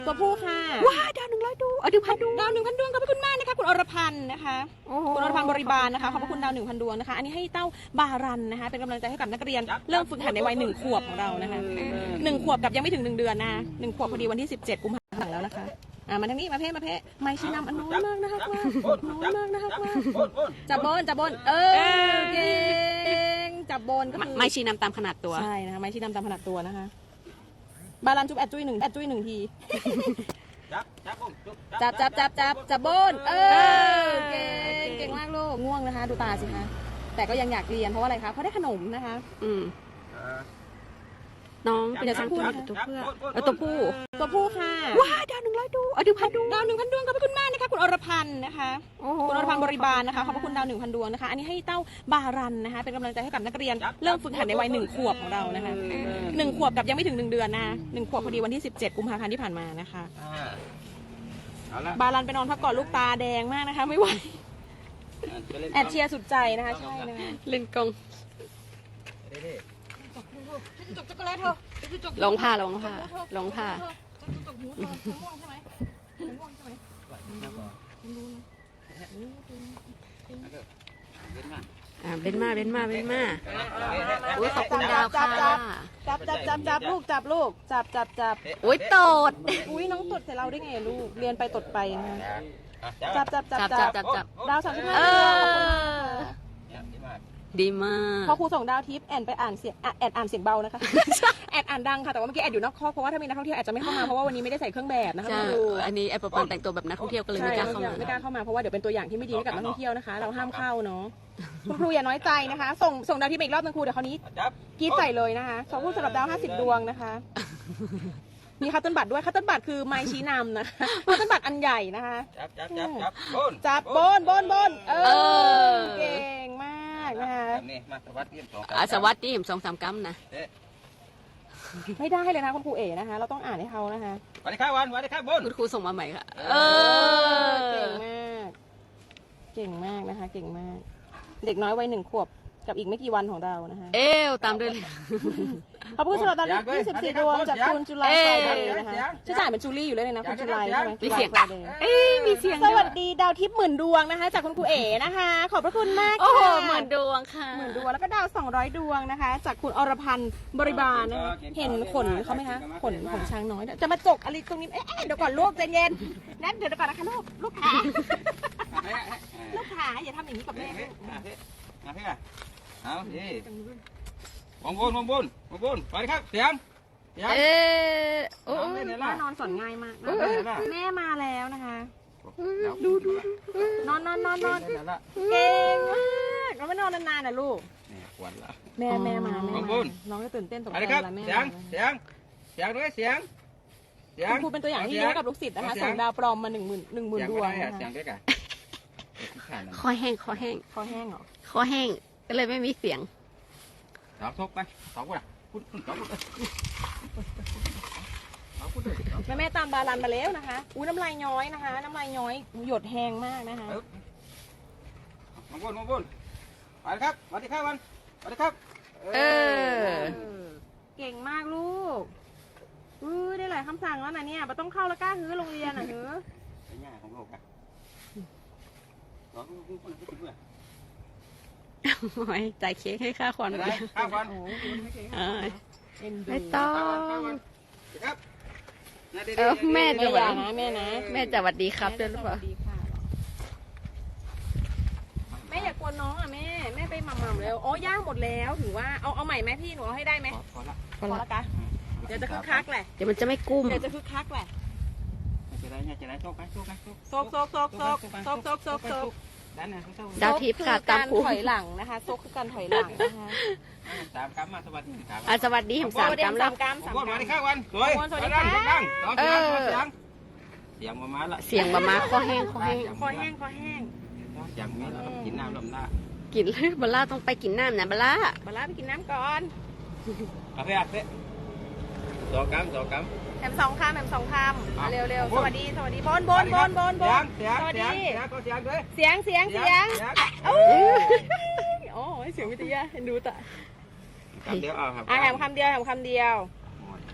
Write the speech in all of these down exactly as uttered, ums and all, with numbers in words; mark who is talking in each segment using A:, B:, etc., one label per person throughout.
A: ตัวผู้ค่ะว้าดาวหนึ่งร้อยดวงเออหนึ่งพันดวงดาวหนึ่งพันดวงขอบพระคุณมากนะคะคุณอรพันธ์นะคะคุณอรพันธ์บริบาลนะคะขอบพระคุณดาวหนึ่งพันดวงนะคะอันนี้ให้เต้าบารันนะคะเป็นกำลังใจให้กับนักเรียนเริ่มฝึกหัดในวัยหนึ่งขวบของเรานะคะหนึ่งขวบกับยังไม่ถึงหนึ่งเดือนนะหนึ่งขวบพอดีวันที่สิบเจ็ดกุมภาพันธ์แล้วนะคะอ่ามาทางนี้มาเพ่มาเพ่ไม่ชี้นำอันน้อยมากนะคะว่าน้อยมากนะคะว่าจับบนจับบนเออเก่งจับบนก็คือไม่ชี้นำตามขนาดตัวใช่นะคะไม่ชี้นำตามขนาดตัวนะคะบารันจุ๊บแอดจุ้ยหนึ่งแอดจุ้ยหนึ่งทีจับจับจับจับจับจับบนเออเก่งเก่งมากลูกง่วงนะคะดูตาสิคะแต่ก็ยังอยากเรียนเพราะว่าอะไรคะเพราะได้ขนมนะคะอืมน้องเป็นช้างผู้ตัวเพื่อเออตัวผู้ตัวผู้ค่ะว้าดาวหนึ่งร้อยดวงเออหนึ่งพันดวงดาวหนึ่งพันดวงขอบพระคุณมากนะคะคุณอรพันธ์นะคะคุณอรพันธ์บริบาลนะคะขอบพระคุณดาวหนึ่งพันดวงนะคะอันนี้ให้เต้าบารันนะคะเป็นกำลังใจให้กับนักเรียนเริ่มฝึกหัดในวัยหนึ่งขวบของเรานะคะหนึ่งขวบกับยังไม่ถึงหนึ่งเดือนนะหนึ่งขวบพอดีวันที่สิบเจ็ดกุมภาพันธ์ที่ผ่านมานะคะบารันไปนอนพักก่อนลูกตาแดงมากนะคะไม่ไหวแอดเชียร์สุดใจนะคะใช่นะคะเล่นกงลงผ้าลงผ้าลงผ้าอ่าเล่นมาเล่นมาเล่นมาอุ้ยขอบคุณดาวค่ะจับจับจับจับลูกจับลูกจับจับจับอุ้ยตดอุ้ยน้องตดใส่เราได้ไงลูกเรียนไปตดไปนะคะจับจับจับจับจับจับดาวสามสิบห้าดีมากพอครูส่งดาวทิปแอนไปอ่านเสียงแอนอ่านเสียงเบานะคะแอนอ่านดังค่ะแต่ว่าเมื่อกี้แอนอยู่นอกคอกเพราะว่าถ้ามีนักท่องเที่ยวแอนจะไม่เข้ามาเพราะว่าวันนี้ไม่ได้ใส่เครื่องแบบนะคะครูอันนี้แอนปอนแต่งตัวแบบนักท่องเที่ยวก็เลยไม่กล้าเข้ามาไม่กล้าเข้ามาเพราะว่าเดี๋ยวเป็นตัวอย่างที่ไม่ดีให้กับนักท่องเที่ยวนะคะเราห้ามเข้าเนาะคุณครูอย่าน้อยใจนะคะส่งส่งดาวทิปอีกรอบนึงครูเดี๋ยวคราวนี้กีบใส่เลยนะคะสองผู้สำหรับดาวห้าสิบดวงนะคะมีคัตเติ้ลบัตรด้วยคัตเติ้ลบัตรคือไม้ชี้นำนะคะคัตเติ้ลบัตรอันใหญ่นะคะจับจับจับจับบนจับบนบนบนเออเก่งมากนะคะนี่มาสวัสดีสองสวัสดีสองสามกัมนะไม่ได้เลยนะคุณครูเอ๋นะคะเราต้องอ่านให้เขานะคะสวัสดีครับวันสวัสดีครับบนคุณครูส่งมาใหม่ค่ะเออเก่งมากเก่งมากนะคะเก่งมากเด็กน้อยวัยหนึ่งขวบกับอีกไม่กี่วันของเรานะคะเอวตามด้วยขอบคุณสำหรับตอนนี้ยี่สิบสี่ดวงจากคุณจุไลไฟเดย์นะคะชื่อจ่ายเป็นจูลี่อยู่เลยนะคุณจุไลใช่ไหมมีเสียงเอ้มีเสียงสวัสดีดาวทิพย์หมื่นดวงนะคะจากคุณครูเอ๋นะคะขอบพระคุณมากค่ะโอ้โหหมื่นดวงค่ะหมื่นดวงแล้วก็ดาวสองร้อยดวงนะคะจากคุณอรพันธ์บริบาลนะคะเห็นขนเขาไหมคะขนของช้างน้อยจะมาจกอะไรตรงนี้เอ๊ะเดี๋ยวก่อนลูกใจเย็นนั่นเดี๋ยวก่อนนะคะลูกลูกขาลูกขาอย่าทำอย่างนี้กับแม่มาพี่เอาดิวงบนวงบนวงบนไปครับเสียงเสียงเออโอ้แม่นอนสอนง่ายมากแม่มาแล้วนะคะดูดูนอนนอนนอนนอนเก่งมากเราไม่นอนนานๆนะลูกแม่แม่มาแม่น้องจะตื่นเต้นตกใจแล้วแม่เสียงเสียงเสียงด้วยเสียงเสียงครูเป็นตัวอย่างที่ดีให้กับลูกศิษย์นะคะส่งดาวปลอมมาหนึ่งหมื่นหนึ่งหมื่นดวงนะคะคอแห้งคอแห้งคอแห้งเหรอคอแห้งก็เลยไม่มีเสียงสองทบไปสองคนอ่ะคุณคุณสองคนแม่แม่ตามบาลันมาแล้วนะคะอุ้ยน้ำลายย้อยนะคะน้ำลายย้อยหยดแห้งมากนะคะมองบนมองบนไปครับสวัสดีครับวันสวัสดีครับเออเก่งมากลูกอุ้ยได้หลายคำสั่งแล้วนะเนี่ยเราต้องเข้าแล้วกล้าฮื้อโรงเรียนอ่ะฮื้อไอ้หน้าของโลกอ่ะร้องกุ้งกุ้งกุ้งกุ้งโอ้ยจ่ายเค้กให้ค่าควันเลยค่าควันไม่ต้องเออแม่จะหวัดนะแม่นะแม่จะหวัดดีครับด้วยหรือเปล่าแม่อย่ากวนน้องอ่ะแม่แม่ไปหม่ำๆแล้วอ๋อย่างหมดแล้วถือว่าเอาเอาใหม่ไหมพี่หนูเอาให้ได้ไหมพอละพอละกะเดี๋ยวจะคึกคักแหละเดี๋ยวมันจะไม่กุ้มเดี๋ยวจะคึกคักแหละจะได้จะได้โซกโซกโซกโซกโซกโซกโซกโซกโซกโซกดาวทิพย์ค่ะตามครูถอยหลังนะคะโซกคือการถอยหลังนะคะสามกัมมาสวัสดีครับสวัสดีผมสามกัมแล้วสามกัมสามกัมสวัสดีครับวันสวยสวัสดีค่ะเออเสียงมามาละเสียงมามาคอแห้งคอแห้งคอแห้งคอแห้งอย่างนี้เราต้องกินน้ำลำหน้ากินเลยบลล่าต้องไปกินน้ำนะบลล่าบลล่าไปกินน้ำก่อนเอาไปอ่ะเป๊ะสองกัมสองกัมแถมสองคำแถมสองคำเร็วเร็วสวัสดีสวัสดีบนบนบนบนบนสวัสดีเสียงเสียงเสียงโอ้โอ้เสียงวิทยาเห็นดูแต่คำเดียวเอาครับอ่ะแถมคำเดียวแถมคำเดียว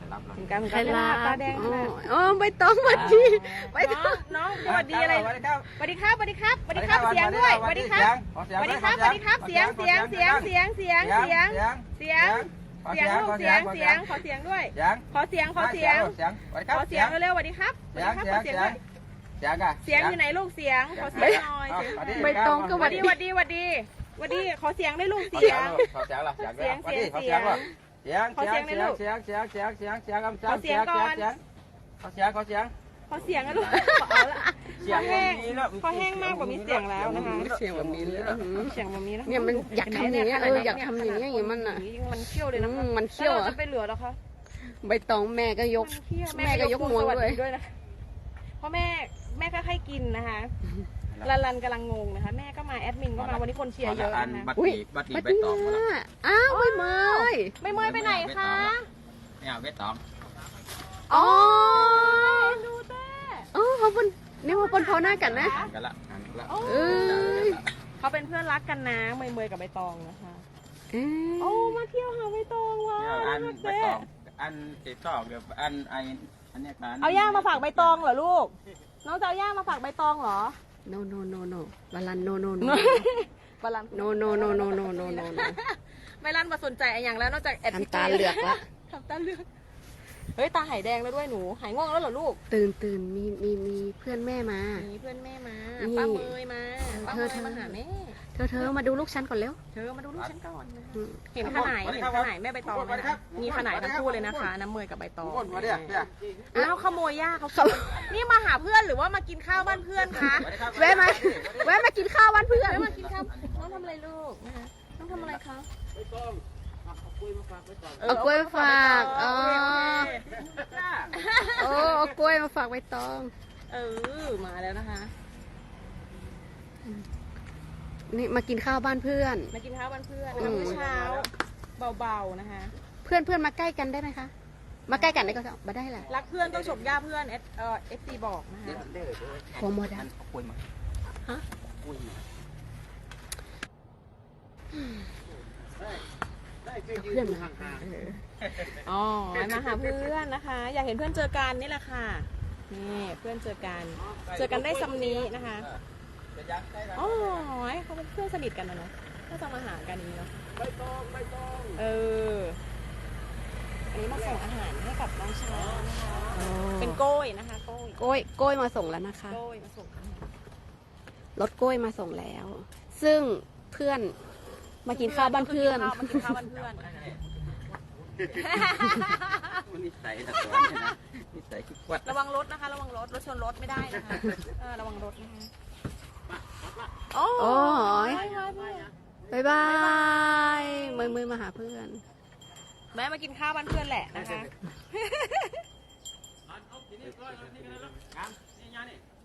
B: รับเลย
A: ถึงกันถึง
C: ใคร
A: กัน
C: ลา
A: ตาแดงขนาด
C: อ๋อใบตองสวัสดีใบต
A: น้
C: อ
A: อง งน้องสวัสดีอะไร
B: สวัสดีครับ
A: สวัสดีครับสวัสดีครับสวัสดีครับเสียงด้วยสวัสดีครับสวัสดีครับสวัสดีครับเสียงเสียงเสียงเสียงเสียงเสียงเสียงเสียงลูกเสียงเสียงขอเสียงด้วย
B: เสียง
A: ขอเสียงขอเสียง
B: เสียงสวัสดีค
A: ข
B: รับ
A: อเสียงเร็วๆสวัสดีครับสวัส
B: เสี
A: ดี
B: ยง
A: ครับ
B: เสี
A: ข
B: ย
A: อง เสียง
B: เสีย
A: ด้วย
B: งเสียงอะ
A: เสียงอยู่ไหนลูกเสียงขอเสียงหน่อยเสียง
C: ใบตองก็
A: ส
C: ส
A: วั
C: วั
A: ส
C: ส
A: ดี
C: ดี
A: สวัสดีสวัสดีสวัสดีขอเสียงได้ลูก
B: ขอ
A: เสี
B: เสี
A: ย
B: ย
A: ง
B: งขอเสียงละเสียง
A: เสียง
B: ขอเสียง
A: เสี
B: เสี
A: ย
B: ย
A: ง
B: งเสียง
A: ขอเสียงหน่อยลูก
B: เสียงเสียงเสียงเสียงเสียงเสียง
A: ขอเสียงก่อน
B: ขอเสียงขอเสียง
A: ขอเสียงนะลูกเอาละ
B: เสี
A: ค
B: ย
A: อง แห้ง
B: มีแล้ว
A: คอแห้งมากกว่ามีเสียงแล้วนะคะ
C: เสียงแบบนี้เลยอื้อหือ
A: เสียงแบบนี้นะ
C: เนี่ยมันอยากทำอย่างเงี้ยเอออยากทำอย่างเงี้ยอย่างมันอ่ะ
A: มันเขี้ยวเลยนะ
C: อืมมันเขี้ยว
A: แล้
C: อะ
A: ราจะไปเหลือหรอคะ
C: ใบตองแม่ก็ยก
A: มันเขี้ยว
C: แม่ก็ยกงวง
A: สส
C: ด้วย
A: ด้วยนะเพราะแม่แม่ก็ให้กินนะคะลันลันกำลังงงนะคะ แม่ก็มาแอดมินก็มาวันนี้คนเชียร์เยอะ
B: อัน
A: นะคะ
B: บัตร
C: อุ้ย
B: ดีบัตรดี
C: ไป
B: ใบ
C: ตี
B: ตองมาแล้ว
C: น่ะอ้าวไม่เมย
A: ไม่เมยไปไหนคะ
B: ไม่เอาใบตอง
C: อ๋อ
A: ดูเต้
C: อ๋อเขาเป็นนี่ว่าเป็นพอหน้ากันนะ
B: อ่านกันละอ่านกันละ
C: เอ้ย
A: เขาเป็นเพื่อนรักกันนะเมยเมยกับใบตองนะคะ
C: เอ้ย
A: โอ้มาเที่ยวหาใบตองว้า
B: เนี่ยอัน
A: ว
B: ใบ
A: เต้
B: ตองอันติดต่อเกี่ยวกับอันไออันเนี้ยการ
A: เอาย่างมาฝากใบตองเหรอลูก น้องจะเอาย่างมาฝากใบตองเหรอ
C: โนโนโนโนบาลันโนโนโน
A: บาลัน
C: โนโนโนโนโนโนโน
A: ใบลันมาสนใจอะไรอย่างแล้วนอกจากแอด
C: ทำตาเหลือกละ
A: ทำตาเลือกเฮ้ยตาหายแดงแล้วด้วยหนูหายง่วงแล้วเหรอลูก
C: ตื่นตื่นมีมีมีเพื่อนแม่มา
A: มีเพื่อนแม่มา
C: นี่
A: ป้าเมยมาป้า
C: เธ
A: เม
C: อย เธอ
A: มาหาแม่
C: เธอเธอมาดูลูกฉันก่อนเร็ว
A: เธอมาดูลูกฉันก่อนนะ
C: อืม
A: เห็นขนายเห็นขนายแม่ใบตองไหมคะมีขนายทั้งคู่เลยนะคะ น้ำเมยกับใบตอง
B: คนมาเนี่ยเนี่ย
A: อ้าวขโมยย่าเขานี่มาหาเพื่อนหรือว่ามากินข้าวบ้านเพื่อนคะ
C: แวะมาแวะมากินข้าววันเพื่อน
A: ไม่มากินข้าวน้องทำอะไรลูกนะคะน้องทำอะไรคะ
C: เอากล้วยมาฝากอ๋อ
A: โอเค
C: โอ้เอากล้วยมาฝากใบตอง
A: เออมาแล้วนะคะ
C: นี่มากินข้าวบ้านเพื่อน
A: มากินข้าวบ้านเพื่อน
C: อื
A: นะคะ
C: ม
A: มื้อเช้าเบาๆนะคะ
C: เพื่อนเพื่อนมาใกล้กันได้ไหมคะ มาใกล้กันได้ก็มาได้แหละ
A: รักเพื่อนต้องฉกย่าเพื่อนเอสเอ่อเอฟซีบอกนะคะ
C: โคโมดา
B: เอาคุยมา
C: ฮะ
B: คุยมา
C: เพื่อนมาเออ
A: อ๋อมาหาเพื่อนนะคะ อยากเห็นเพื่อนเจอกันนี่แหละค่ะนี่เพื่อนเจอกัน เจอกันได้ซ้ำนี้นะคะ
B: จะยักได้ละ
A: อ๋อเขาเป็นเพื่อนสนิทกันนะเนาะก็จะมาหากันอย่างนี้เนาะ
B: ใบตองใบตอง
A: เอออันนี้มาส่งอาหารให้กับน้องช้างนะคะ
C: โอ้
A: เป็นโก้ยนะคะโก้ย
C: กล้วยกล้วยมาส่งแล้วนะคะ
A: โก้ยมาส่งอาหาร
C: รถกล้วยมาส่งแล้ว ซึ่งเพื่อนมากินข้าวบ้านเพื่อน
A: มากินข้าวบ้านเพื่อน
B: มันนิสัยตะกอนเนี่ยนะนิสัยขี้กวัด
A: ระวังรถนะคะ ระวังรถรถชนรถไม่ได้นะคะเออระวังรถนะคะโอ้
C: โอ้ย
A: ยบายบาย
C: บายบายมือมือมาหาเพื่อน
A: แม่มากินข้าวบ้านเพื่อนแหละนะคะ
B: เอาทีนี้ก็เอาทีนี้กันแล้วกันนี่ยานี่